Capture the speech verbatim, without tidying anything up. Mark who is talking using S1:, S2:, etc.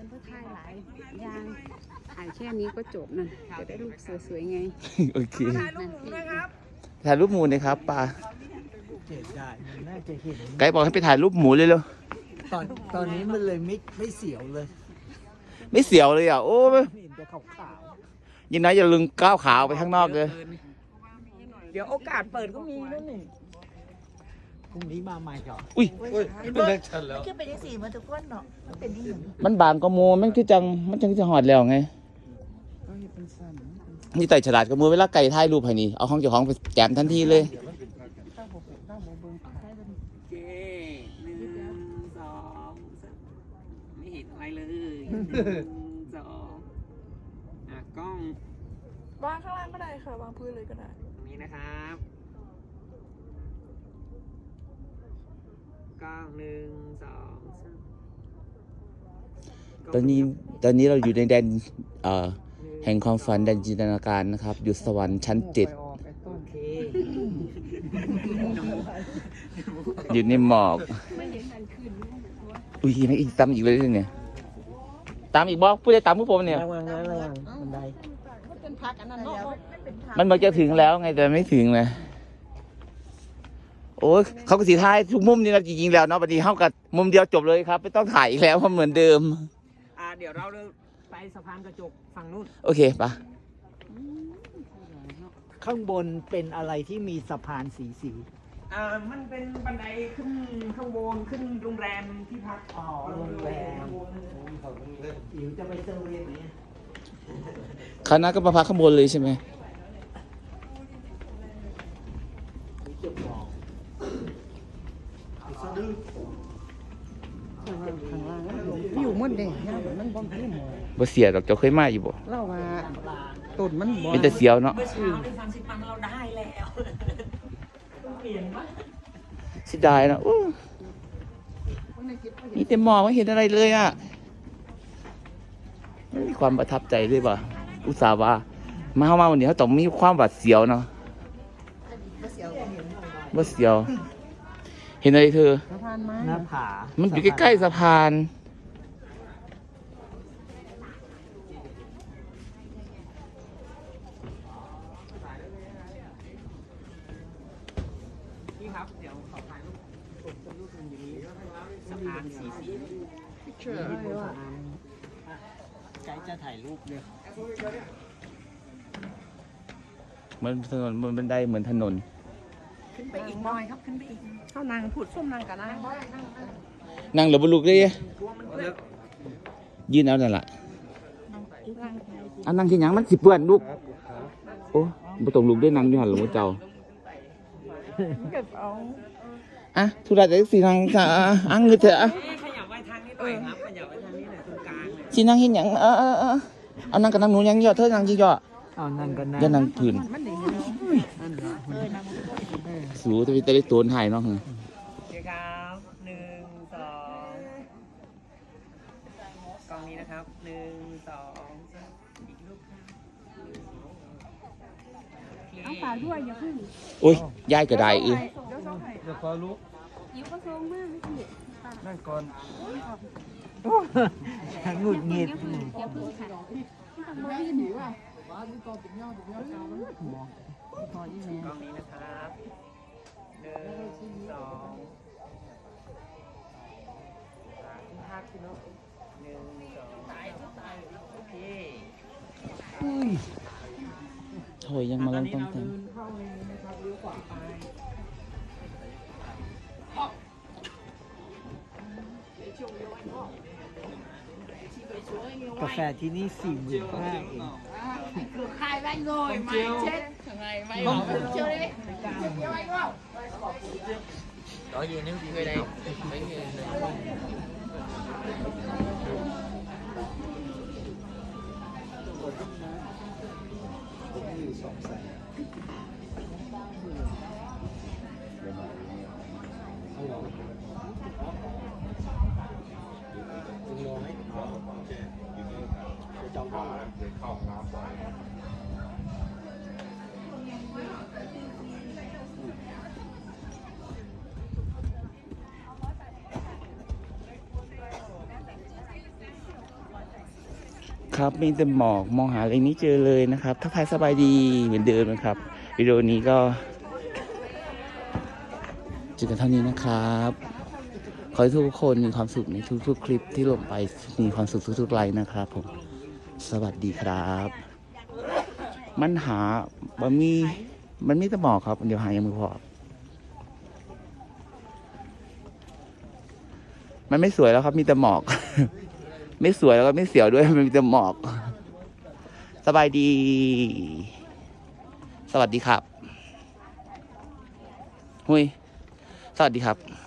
S1: ฉันเพื่อถ่ายหลายอย่างถ่ายแค่นี้ก็จบนั่นจะได้รูปสวยๆไง
S2: โอเค
S3: ถ่ายรูปหมูด้วยครับ
S2: ถ่ายรูปหมูนะครับป้า
S4: เจ็ดได้มันน่าจะเห็น
S2: ไกด์บอกให้ไปถ่ายรูปหมูเลยเลย
S4: ตอนตอนนี้มันเลยไม่ไม่เสียวเลย
S2: ไม่เสียวเลยอ่ะโอ้ย
S4: เห็นแต่ขาวขาว
S2: ยินนะอย่าลืมก้าวขาวไปข้างนอกเลย
S3: เดี๋ยวโอกาสเปิดก็มีนั่นนี่
S4: พรุ่งนี้มาใหม่ก่อน
S2: อุ้ย
S4: เป็นเลขชันแล้วคือเป็นที่สี่มาทุกคนเนาะมันเป็นที่หนึ่ง
S2: มันบางกว่าหมูมันคือจังมันจังจะหอดแล้วไงนี่ไต่ฉลาดกว่าหมูเวลาไก่ถ่ายรูปให้นี่เอาของเจ้าของไปแจมทันทีเลย
S3: โอเคหนึ่งสองสามไม่เห็นอะไรเลยหนึ่งสองอ่ะกล้อง
S5: วางข้างล่างก็ได้ค่ะวางพื้นเลยก็ได้
S3: ตรงนี้นะครับกล้องหนึ่งสองสาม
S2: ตอนนี้ตอนนี้เราอยู่ในแดนเอ่อแห่งความฝันแดนจินตนาการนะครับอยู่สวรรค์ชั้นเจ็ด
S3: โอเค
S2: อยู่ในหมอกอุ้ยไม่อีกตามอีกเลยเนี่ยตามอีกบอกผู้ใดตามผู้ผมเนี่ย
S4: ระวังนะระวังบันได
S5: เป็นพักอันนั้นเนาะ
S2: มันบอกจะถึงแล้วไงแต่ไม่ถึงเลยโอ้ยเขาก็สีท้ายทุกมุมนี่นะจริงๆแล้วเนาะพอดีเข้ากับมุมเดียวจบเลยครับไม่ต้องถ่ายอีกแล้วเพราะเหมือนเดิม
S3: อ่าเดี๋ยวเราไปสะพานกระจกฝั่งนู้น
S2: โอเคปะ
S4: ข้างบนเป็นอะไรที่มีสะพานสีสี
S3: อ่ามันเป็นบันไดขึ้นข้างบนขึ้นโรงแรมที่พัก
S4: อ๋อโรงแรมอิ๋วจะไปเซอร์เวย์ไหม
S2: คณะก็มาพักข้างบนเลยใช่ไหม
S4: เก็บของ
S1: อยู่มืดเลยมันบ่มพี่หมอ
S2: บ่เสียดอกเจ้าเคยมาอยู่บ่
S1: เล่าว่าต้นมันบ่
S2: เป็นแต่เสียวเนาะ
S3: เมื่อเช้าได้ฟังสิปังเราได้แล้วเปลี่ยนปะ
S2: เสียดายเนาะอู้มีแต่หมอกไม่เห็นอะไรเลยอ่ะไม่มีความประทับใจเลยป่ะอุตส่าห์ว่ามาเข้ามาวันนี้เขาต้องมีความหวาดเสียวเนาะบ่เสียว เห็นอะไรเธอ
S1: สะพานไม้
S4: หน้าผา
S2: มันอยู่ใกล้ๆสะพาน
S3: พี่ครับเดี๋ยวขอถ่ายรูปผมจะรูปหนึ่งอย่างนี้สะพานสีสี
S4: เชื่อว่าไกด์จะถ่ายรูปเลย
S2: เหมือนถนนบนบันไดเหมือนถนน
S5: ขึ้นไปอีกหน่อยครับขึ้นไปอีกเข้านางผุดส้มนางกับนาง
S2: นั่งหรือบลุกเลยยืนเอานั่นแหละอันนั่งที่หยังมันสิเปื้อนลูกโอ้บ่ต้องลุกด้วยนั่งอยู่หันหลวงพ่อเจ้า
S5: เก็บเอา
S2: อ่ะธุระจะสินั่งจ้ะอ่ะเงือเถอะอ่ะ
S3: เอ๊ะขยับไว้ทางนี้หน่อยครับขยับไว้ทางนี้หน่อยตรงกลางเลย
S2: สินั่งเฮ็ดหยังเออเออเออเอานั่งกับนั่งหนูยังเยอะเธอนั่งจิเยอะ
S4: เอานั่งกันนะ
S2: อย่านั่งพื้น
S5: มันดีเนาะ
S2: สูจะไปจะได้โตนให้เนาะ
S3: โอเคครับหนึ่งสองกล้องนี้นะครับหนึ่งสองสามอีกรูปครับเอาปากด้วยอย่าพึ่ง
S2: โอ้ยยายก็ได้เออ
S5: เดี๋ยวส่งให้
S4: เดี๋ยวขอลุก
S5: ยิ้วก็ส่งมากไม่ผิด
S4: นั่งก่อนหงุดหงิด
S5: อย่าพึ่งค่ะ
S3: กล้องนี้นะครับหนึ่งสองภาพที่เนาะหนึ่งสองโอเค
S2: โอ้ยยังมาลองต้องแต่ง
S3: เข้าเลยนะครับเลี้ยวขวาไป
S4: กาแฟที่นี่สี่หมื่นห้าเอง
S5: คือใครแม่งโง่ไม่เช็ดยังไงไม่เอาเชื่อเลยเดี๋ยวไอ้ก็
S3: đó gì nếu chị về đây mấy người
S2: ครับ มีแต่หมอกมองหาอะไรไม่เจอเลยนะครับทักทายสบายดีเหมือนเดิมนะครับวิดีโอนี้ก็เจอกันเท่านี้นะครับขอให้ทุกคนมีความสุขในทุกๆคลิปที่ลงไปมีความสุขทุกๆไลน์นะครับผมสวัสดีครับ มันหาบะมีมันมีแต่หมอกครับเดี๋ยวหายังไม่พอมันไม่สวยแล้วครับมีแต่หมอก ไม่สวยแล้วก็ไม่เสียวด้วยมันมีแต่หมอกสบายดีสวัสดีครับหุยสวัสดีครับ